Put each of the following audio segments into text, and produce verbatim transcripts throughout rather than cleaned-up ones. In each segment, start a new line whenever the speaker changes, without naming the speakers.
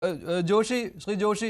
ഏഹ്, ഏഹ്, ജോഷി ശ്രീ ജോഷി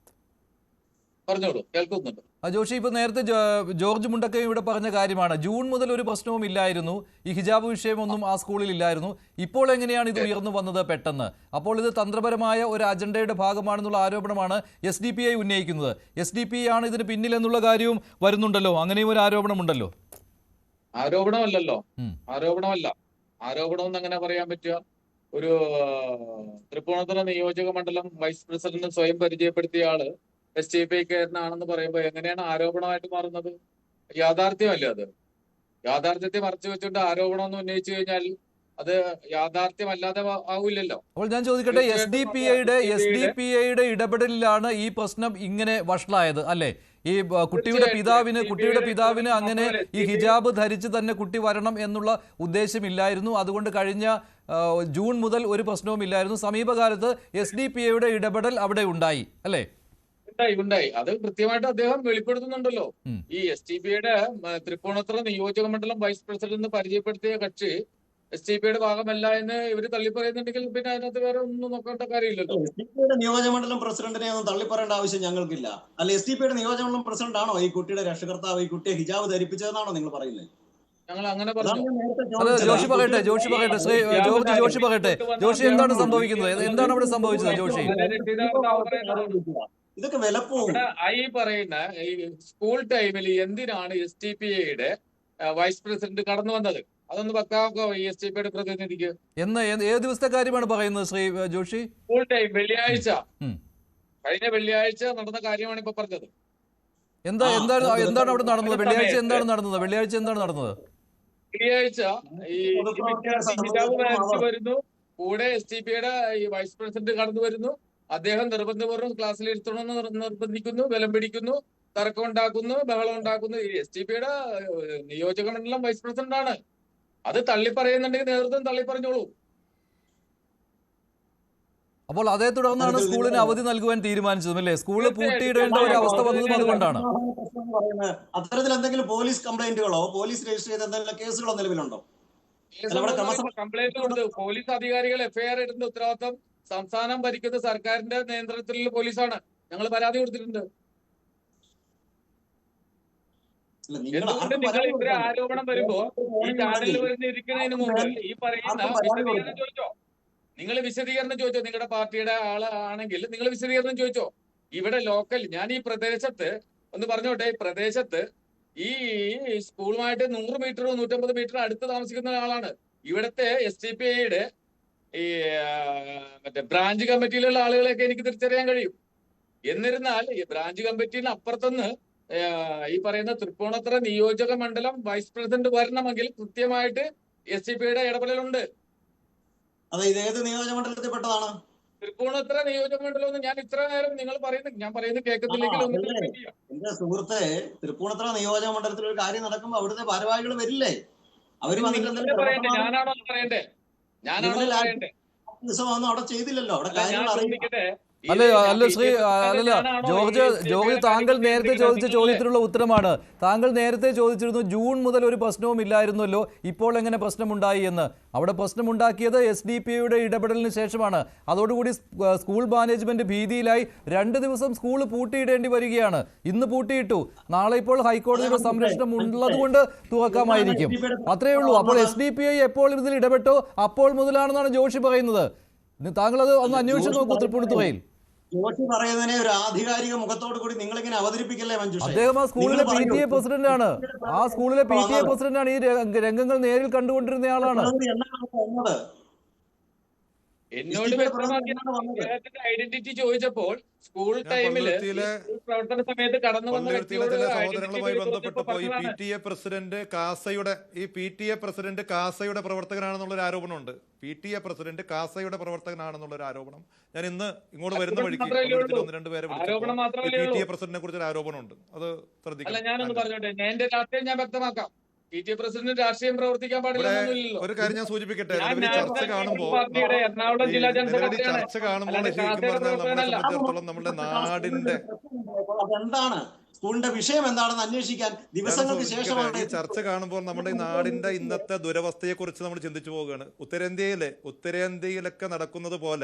പറഞ്ഞോളൂ, കേൾക്കുന്നുണ്ട്.
ആ, ജോഷി ഇപ്പോൾ നേരത്തെ ജോ- ജോർജ് മുണ്ടക്കയും ഇവിടെ പറഞ്ഞ കാര്യമാണ്. ജൂൺ മുതൽ ഒരു പ്രശ്നവും ഇല്ലായിരുന്നു, ഈ ഹിജാബ് വിഷയമൊന്നും ആ സ്കൂളിൽ ഇല്ലായിരുന്നു. ഇപ്പോൾ എങ്ങനെയാണ് ഇത് ഉയർന്നു വന്നത് പെട്ടെന്ന്? അപ്പോൾ ഇത് തന്ത്രപരമായ ഒരു അജണ്ടയുടെ ഭാഗമാണെന്നുള്ള ആരോപണമാണ് എസ് ഡി പി ഐ ഉന്നയിക്കുന്നത്. എസ് ഡി പി ഐ ആണ് ഇതിന് പിന്നിലെന്നുള്ള കാര്യവും വരുന്നുണ്ടല്ലോ, അങ്ങനെയും ഒരു ആരോപണമുണ്ടല്ലോ.
ആരോപണമല്ലല്ലോ,
ഉം.
ആരോപണമല്ല. ആരോപണം എന്ന് എങ്ങനെ പറയാൻ പറ്റുക? ഒരു ആ, തൃപ്പൂണിത്തുറ നിയോജക മണ്ഡലം വൈസ് പ്രസിഡന്റ് സ്വയം പരിചയപ്പെടുത്തിയ ആള് എസ് ടി പി ഐക്കാരനാണെന്ന് പറയുമ്പോൾ എങ്ങനെയാണ് ആരോപണമായിട്ട് മാറുന്നത്? യാഥാർത്ഥ്യമല്ലേ അത്? യാഥാർത്ഥ്യത്തെ മറച്ചു വെച്ചുകൊണ്ട് ആരോപണം എന്ന് ഉന്നയിച്ചു കഴിഞ്ഞാൽ അത് യാഥാർത്ഥ്യമല്ലാതെ ആ- ആവില്ലല്ലോ.
അപ്പോൾ ഞാൻ ചോദിക്കട്ടെ, എസ് ഡി
തീർച്ചയായിട്ടും
പി
അത്
ഐയുടെ S D
S D P ഐയുടെ
പി ഐയുടെ ഇടപെടലിലാണ് ഈ പ്രശ്നം ഇങ്ങനെ വഷളായത് അല്ലേ? ഈ ബ, കുട്ടിയുടെ
തീർച്ചയായിട്ടും
പിതാവിന്
എസ് ഡി പി
കുട്ടിയുടെ
ഐയുടെ
പിതാവിന്
ഇടപെടൽ
അങ്ങനെ
മാത്രമല്ല,
ഈ
എസ് ഡി പി ഐ
ഹിജാബ് ധരിച്ച് തന്നെ കുട്ടി വരണം എന്നുള്ള ഉദ്ദേശമില്ലായിരുന്നു. അതുകൊണ്ട് കഴിഞ്ഞ ആ, ജൂൺ മുതൽ ഒരു പ്രശ്നവും ഇല്ലായിരുന്നു. സമീപകാലത്ത് എസ് ഡി പി ഐയുടെ ഇടപെടൽ അവിടെ ഉണ്ടായി അല്ലേ?
ഉണ്ടായി ഉണ്ടായി അത് കൃത്യമായിട്ട് അദ്ദേഹം വെളിപ്പെടുത്തുന്നുണ്ടല്ലോ.
ഉം.
ഈ എസ് ടി പിയുടെ തൃപ്പൂണിത്തുറ നിയോജക മണ്ഡലം വൈസ് പ്രസിഡന്റ് പരിചയപ്പെടുത്തിയ കക്ഷി എസ് ടി പിയുടെ ഭാഗമല്ല എന്ന് ഇവര് തള്ളിപ്പറയുന്നുണ്ടെങ്കിൽ പിന്നെ അതിനകത്ത് വേറെ ഒന്നും നോക്കേണ്ട കാര്യമില്ലല്ലോ.
എസ് ഡി പിയുടെ നിയോജകമണ്ഡലം പ്രസിഡന്റിനെ ഒന്നും തള്ളിപ്പറയേണ്ട ആവശ്യം ഞങ്ങൾക്കില്ല. അല്ല, എസ് ഡി പിയുടെ നിയോജകമണ്ഡലം പ്രസിഡന്റ് ആണോ ഈ കുട്ടിയുടെ രക്ഷകർത്താവ്, ഈ കുട്ടിയെ ഹിജാബ് ധരിപ്പിച്ചതെന്നാണോ നിങ്ങൾ പറയുന്നത്?
ഞങ്ങൾ അങ്ങനെ
അതാണ്
പറഞ്ഞു.
ഞാൻ നേരത്തെ
അല്ല,
ചോദിച്ചത്.
ജോഷി
ഈ
പറയട്ടെ
കുട്ടിയുടെ
ജോഷി പറയട്ടെ ശ്രീ
ഹിജാബ്
ജോർജ്
ധാരി
ജോഷി പറയട്ടെ.
കൊണ്ടുവന്ന
ജോഷി
അദ്ദേഹം
എന്താണ്
കുട്ടിയെ
സംഭവിക്കുന്നത്? എന്താണ് അവിടെ സംഭവിച്ചത് ജോഷി?
അതിന്റെ രക്ഷിതാവ് പറയുന്നത്
ഇതൊക്കെ വിലപ്പോവും.
അവിടെ ഈ പറയുന്ന ഈ സ്കൂൾ ടൈമിൽ എന്തിനാണ് എസ് ടി പി ഐയുടെ വൈസ് പ്രസിഡന്റ് കടന്നു വന്നത്? അതൊന്ന് വെക്കാമോ ഈ എസ് ടി പിയുടെ പ്രതിനിധിക്ക്?
എന്ന് ഏത് ഏത് ദിവസത്തെ കാര്യമാണ് പറയുന്നത് ശ്രീ ഏഹ്, ജോഷി?
സ്കൂൾ ടൈം വെള്ളിയാഴ്ച,
ഉം.
കഴിഞ്ഞ വെള്ളിയാഴ്ച നടന്ന കാര്യമാണ് ഇപ്പൊ പറഞ്ഞത്.
എന്താ
ആ,
എന്താണ്
അത്
എന്താണ് അവിടെ നടന്നത്?
ഒരു
വെള്ളിയാഴ്ച
സമയത്ത്
എന്താണ് നടന്നത്? വെള്ളിയാഴ്ച എന്താണ് നടന്നത്?
വെള്ളിയാഴ്ച ഈ ഈ
പൊതുപ്രവർത്തകരെ
വിദ്യാർത്ഥി ഹിജാബ്
സംബന്ധിച്ചിടത്തോളം
ധരിച്ചു
അവർ
വരുന്നു, കൂടെ എസ് ടി പിയുടെ ഈ വൈസ് പ്രസിഡന്റ് കടന്നു വരുന്നു. അദ്ദേഹം നിർബന്ധപൂർവ്വം ക്ലാസ്സിൽ ഇരുത്തണമെന്ന് നിർ- നിർബന്ധിക്കുന്നു, ബലം പിടിക്കുന്നു, തർക്കം ഉണ്ടാക്കുന്നു, ബഹളം ഉണ്ടാക്കുന്നു. ഈ എസ് ടി പിയുടെ നിയോജക മണ്ഡലം വൈസ് പ്രസിഡന്റ് ആണ്. അത് തള്ളിപ്പറയുന്നുണ്ടെങ്കിൽ നേതൃത്വം തള്ളിപ്പറഞ്ഞോളൂ.
അപ്പോൾ അതേ തുടർന്നാണ്
അത്തരത്തിൽ
സ്കൂളിന്
നിങ്ങൾ
അവധി നൽകുവാൻ തീരുമാനിച്ചതും അല്ലേ? സ്കൂള്
തീർച്ചയായിട്ടും
പൂട്ടിയിടേണ്ട ഒരു അവസ്ഥ
അത്
വന്നതും
തന്നെയാണ്
അതുകൊണ്ടാണ്.
പ്രശ്നം എന്ന് പറയുന്നത്. അത്തരത്തിൽ എന്തെങ്കിലും പോലീസ് കംപ്ലൈന്റുകളോ പോലീസ് രജിസ്റ്റർ ചെയ്ത എന്തെങ്കിലും കേസുകളോ നിലവിലുണ്ടോ? അല്ല, ഇവിടെ ക്രമസഭ
കംപ്ലൈന്റ് കൊടുത്ത് പോലീസ് അധികാരികൾ എഫ്ഐആർ ഇടുന്ന ഉത്തരവാദിത്വം സംസ്ഥാനം ഭരിക്കുന്ന സർക്കാരിന്റെ നിയന്ത്രണത്തിലുള്ള പോലീസാണ്. ഞങ്ങൾ പരാതി കൊടുത്തിട്ടുണ്ട്.
അല്ല, നിങ്ങൾ
എന്തുകൊണ്ട്
ആർക്കും
നിങ്ങൾ
പരാതി
ഇത്ര
കൊടുക്കണ്ട.
ആരോപണം വരുമ്പോ ഈ ചാനലിൽ വരുന്ന ഇരിക്കുന്നതിന് മുമ്പ് ഈ പറയുന്ന
ആർക്കും പരാതി
വിശദീകരണം
കൊടുക്കണ്ട.
ചോദിച്ചോ? നിങ്ങൾ വിശദീകരണം ചോദിച്ചോ? നിങ്ങളുടെ പാർട്ടിയുടെ ആള് ആണെങ്കിൽ നിങ്ങൾ വിശദീകരണം ചോദിച്ചോ? ഇവിടെ ലോക്കൽ, ഞാൻ ഈ പ്രദേശത്ത് ഒന്ന് പറഞ്ഞോട്ടെ, ഈ പ്രദേശത്ത് ഈ സ്കൂളുമായിട്ട് നൂറ് മീറ്റർ നൂറ്റമ്പത് മീറ്റർ അടുത്ത് താമസിക്കുന്ന ആളാണ്. ഇവിടുത്തെ എസ് ടി പി ഐയുടെ ഈ ആ, മറ്റേ ബ്രാഞ്ച് കമ്മിറ്റിയിലുള്ള ആളുകളെയൊക്കെ എനിക്ക് തിരിച്ചറിയാൻ കഴിയും. എന്നിരുന്നാൽ ഈ ബ്രാഞ്ച് കമ്മിറ്റിന് അപ്പുറത്തുനിന്ന് ഏഹ് ഈ പറയുന്ന തൃപ്പൂണിത്തുറ നിയോജക മണ്ഡലം വൈസ് പ്രസിഡന്റ് വരണമെങ്കിൽ കൃത്യമായിട്ട് എസ് ഡി പിയുടെ ഇടപെടലുണ്ട്.
അതെ, ഇത് ഏത് നിയോജകമണ്ഡലത്തിൽ പെട്ടതാണ്?
തൃപ്പൂണിത്തുറ നിയോജക മണ്ഡലം എന്ന് ഞാൻ ഇത്ര നേരം നിങ്ങൾ പറയുന്നത് ഞാൻ പറയുന്നത് കേൾക്കുന്നില്ലെങ്കിൽ ഒന്ന്
അതല്ലേ
റിപ്പീറ്റ് ചെയ്യാം.
എന്റെ സുഹൃത്തെ, തൃപ്പൂണിത്തുറ നിയോജക മണ്ഡലത്തിൽ ഒരു കാര്യം നടക്കുമ്പോ അവിടുത്തെ ഭാരവാഹികൾ വരില്ലേ? അവര് വന്നിട്ട്
നിങ്ങളല്ലേ
എന്തെങ്കിലും
പറയണ്ടേ?
പ്രവർത്തനം
ഞാനാണോ അത് പറയണ്ടേ? ഞാനാണോ
നിങ്ങളിൽ
അത്
ആ
പറയണ്ടേ?
ദിവസമൊന്നും അവിടെ ചെയ്തില്ലല്ലോ. അവിടെ
അല്ല, ഞാൻ
കാര്യങ്ങൾ അറിയില്ല.
ചോദിക്കട്ടെ,
അല്ല
ഇത് ഞാൻ
അല്ല
ബി
ശ്രീ
ജെ പി
അല്ലല്ല
ഞാനാണോ ഈ
ജോർജ്
എസ് ഡി
ജോർജ്
പിയുടെ
താങ്കൾ
കാര്യങ്ങൾ
നേരത്തെ
നിയന്ത്രിക്കുന്നത്?
ചോദിച്ച
നിങ്ങളല്ലേ?
ചോദ്യത്തിനുള്ള ഉത്തരമാണ്. താങ്കൾ നേരത്തെ ചോദിച്ചിരുന്നു ജൂൺ മുതൽ ഒരു പ്രശ്നവും ഇല്ലായിരുന്നല്ലോ, ഇപ്പോൾ എങ്ങനെ പ്രശ്നമുണ്ടായി എന്ന്. അവിടെ പ്രശ്നമുണ്ടാക്കിയത് എസ് ഡി പി ഐയുടെ ഇടപെടലിന് ശേഷമാണ്. അതോടുകൂടി സ്- സ്കൂൾ മാനേജ്മെന്റ് ഭീതിയിലായി രണ്ട് ദിവസം സ്കൂൾ പൂട്ടിയിടേണ്ടി വരികയാണ്. ഇന്ന് പൂട്ടിയിട്ടു, നാളെ ഇപ്പോൾ ഹൈക്കോടതിയുടെ സംരക്ഷണം ഉള്ളതുകൊണ്ട് തുറക്കാമായിരിക്കും. അത്രയേ ഉള്ളൂ. അപ്പോൾ എസ് ഡി പി ഐ എപ്പോൾ ഇതിൽ ഇടപെട്ടോ അപ്പോൾ മുതലാണെന്നാണ് ജോഷി പറയുന്നത്. താങ്കൾ അത് ഒന്ന് അന്വേഷിച്ച് നോക്കൂ തൃപ്പൂണിത്തുറയിൽ.
ജോഷി പറയുന്നതിനെ ഒരു ആധികാരിക മുഖത്തോടു കൂടി നിങ്ങൾ ഇങ്ങനെ അവതരിപ്പിക്കല്ലേ മഞ്ജുഷേ?
അദ്ദേഹം ആ സ്കൂളിലെ പി ടി എ പ്രസിഡന്റ് ആണ്. ആ സ്കൂളിലെ പി ടി എ
വന്നത്.
പ്രസിഡന്റ് ആണ്. ഈ രംഗ- രംഗങ്ങൾ നേരിൽ കണ്ടുകൊണ്ടിരുന്ന ആളാണ്.
പ്രകൃതി എന്നാണ് വന്നത്?
എന്നോട്
എസ് ഡി പിയുടെ
വ്യക്തമാക്കി
പ്രവർത്തനം എന്നാണ് വന്നത്?
അദ്ദേഹത്തിന്റെ ഐഡന്റിറ്റി ചോദിച്ചപ്പോൾ സ്കൂൾ
ഞാൻ
ടൈമില്
പള്ളുരുത്തിയിലെ
സ്കൂൾ പ്രവർത്തന സമയത്ത് കടന്നു വന്ന
പള്ളുരുത്തിയിലെ
വ്യക്തിയോട്
ചില
ഐഡന്റിറ്റി
സഹോദരങ്ങളുമായി ബന്ധപ്പെട്ടപ്പോൾ ഈ പി
പറഞ്ഞതാണ്.
ടി എ പ്രസിഡന്റ് കാസയുടെ ഈ പി ടി എ പ്രസിഡന്റ് കാസയുടെ പ്രവർത്തകനാണെന്നുള്ളൊരു ആരോപണമുണ്ട്. പി ടി എ പ്രസിഡന്റ് കാസയുടെ പ്രവർത്തകനാണെന്നുള്ളൊരു ആരോപണം ഞാൻ ഇന്ന് ഇങ്ങോട്ട് വരുന്ന
ആരോപണം
വഴിക്ക്
മാത്രമല്ലേ
പള്ളുരുത്തിയിൽ
ഉള്ളൂ.
ഒന്ന് രണ്ട് പേരെ
ആരോപണം
വിളിച്ചപ്പോൾ ഈ
മാത്രമല്ലേ
പി ടി
ഉള്ളൂ.
എ പ്രസിഡന്റിനെ കുറിച്ച് ഒരു ആരോപണമുണ്ട്. അത്
അല്ല,
ശ്രദ്ധിക്കണം.
ഞാനൊന്ന്
ആന്റണി.
പറഞ്ഞോട്ടെ, ഞാൻ എന്റെ രാഷ്ട്രീയം ഞാൻ വ്യക്തമാക്കാം. പി ടി എ പ്രസിഡന്റ് രാഷ്ട്രീയം പ്രവർത്തിക്കാൻ
ഇവിടെ
പാടില്ലെന്നൊന്നുമില്ലല്ലോ.
ഒരു കാര്യം ഞാൻ സൂചിപ്പിക്കട്ടെ.
ഞാൻ
നിലവിൽ ചർച്ച
നാഷണൽ
കാണുമ്പോൾ
പാർട്ടിയുടെ എറണാകുളം ജില്ലാ ജനറൽ
നിലവിൽ
സെക്രട്ടറിയാണ്.
ചർച്ച കാണുമ്പോൾ
അല്ലാതെ
ശരിക്കും
കാസയുടെ
പറഞ്ഞാൽ നമ്മളെ
പ്രവർത്തകനല്ല.
സംബന്ധിച്ചിടത്തോളം നമ്മുടെ നാടിന്റെ
അതെന്താണ് സ്കൂളിന്റെ വിഷയം എന്താണെന്ന് അന്വേഷിക്കാൻ ദിവസങ്ങൾക്ക് ശേഷമാണ്
ഈ ചർച്ച കാണുമ്പോൾ നമ്മുടെ ഈ നാടിന്റെ ഇന്നത്തെ ദുരവസ്ഥയെ കുറിച്ച് നമ്മൾ ചിന്തിച്ചു പോവുകയാണ്. ഉത്തരേന്ത്യയിലെ ഉത്തരേന്ത്യയിലൊക്കെ നടക്കുന്നത് പോലെ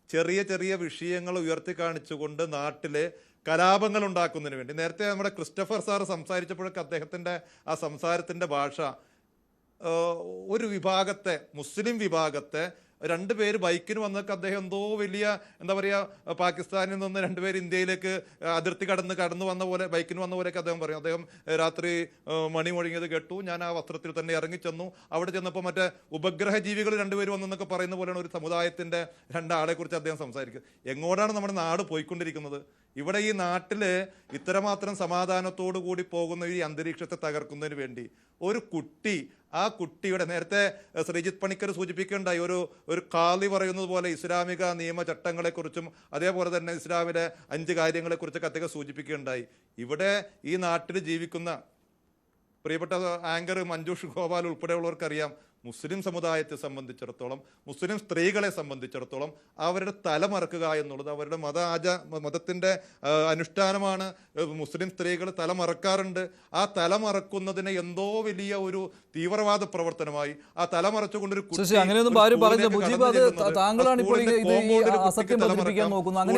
ചെറിയ ചെറിയ വിഷയങ്ങൾ ഉയർത്തി കാണിച്ചുകൊണ്ട് നാട്ടിലെ കലാപങ്ങൾ ഉണ്ടാക്കുന്നതിന് വേണ്ടി. നേരത്തെ നമ്മുടെ ക്രിസ്റ്റഫർ സാറ് സംസാരിച്ചപ്പോഴൊക്കെ അദ്ദേഹത്തിൻ്റെ ആ സംസാരത്തിൻ്റെ ഭാഷ ഒരു വിഭാഗത്തെ, മുസ്ലിം വിഭാഗത്തെ രണ്ടുപേര് ബൈക്കിന് വന്നൊക്കെ അദ്ദേഹം എന്തോ വലിയ എന്താ പറയുക, പാകിസ്ഥാനിൽ നിന്ന് രണ്ടുപേര് ഇന്ത്യയിലേക്ക് അതിർത്തി കടന്ന് കടന്നു വന്ന പോലെ ബൈക്കിന് വന്ന പോലെയൊക്കെ അദ്ദേഹം പറയും. അദ്ദേഹം രാത്രി മണി മുഴങ്ങിയത് കേട്ടു, ഞാൻ ആ വസ്ത്രത്തിൽ തന്നെ ഇറങ്ങിച്ചെന്നു, അവിടെ ചെന്നപ്പോൾ മറ്റേ ഉപഗ്രഹ ജീവികൾ രണ്ടുപേര് വന്നെന്നൊക്കെ പറയുന്ന പോലെയാണ് ഒരു സമുദായത്തിൻ്റെ രണ്ടാളെ കുറിച്ച് അദ്ദേഹം സംസാരിക്കുക. എങ്ങോട്ടാണ് നമ്മുടെ നാട് പോയിക്കൊണ്ടിരിക്കുന്നത്? ഇവിടെ ഈ നാട്ടില് ഇത്രമാത്രം സമാധാനത്തോടു കൂടി പോകുന്ന ഈ അന്തരീക്ഷത്തെ തകർക്കുന്നതിന് വേണ്ടി ഒരു കുട്ടി, ആ കുട്ടിയുടെ നേരത്തെ ശ്രീജിത്ത് പണിക്കർ സൂചിപ്പിക്കുകയുണ്ടായി, ഒരു ഒരു കാളി പറയുന്നത് പോലെ ഇസ്ലാമിക നിയമചട്ടങ്ങളെക്കുറിച്ചും അതേപോലെ തന്നെ ഇസ്ലാമിലെ അഞ്ച് കാര്യങ്ങളെക്കുറിച്ചൊക്കെ അദ്ദേഹം സൂചിപ്പിക്കുകയുണ്ടായി. ഇവിടെ ഈ നാട്ടിൽ ജീവിക്കുന്ന പ്രിയപ്പെട്ട ആങ്കർ മഞ്ജുഷ് ഗോപാൽ ഉൾപ്പെടെയുള്ളവർക്കറിയാം, മുസ്ലിം സമുദായത്തെ സംബന്ധിച്ചിടത്തോളം, മുസ്ലിം സ്ത്രീകളെ സംബന്ധിച്ചിടത്തോളം അവരുടെ തലമറക്കുക എന്നുള്ളത് അവരുടെ മത ആച മതത്തിൻ്റെ അനുഷ്ഠാനമാണ്. മുസ്ലിം സ്ത്രീകൾ തലമറക്കാറുണ്ട്. ആ തലമറക്കുന്നതിനെ എന്തോ വലിയ ഒരു തീവ്രവാദ പ്രവർത്തനമായി ആ തലമറച്ചുകൊണ്ടൊരു
അങ്ങനെയൊന്നും ആരും പറഞ്ഞില്ല. മുജീബ്, അത് താങ്കളാണ് ഇപ്പോൾ ഇത് അസത്യം പ്രചരിപ്പിക്കാൻ നോക്കുന്നത്. അങ്ങനെ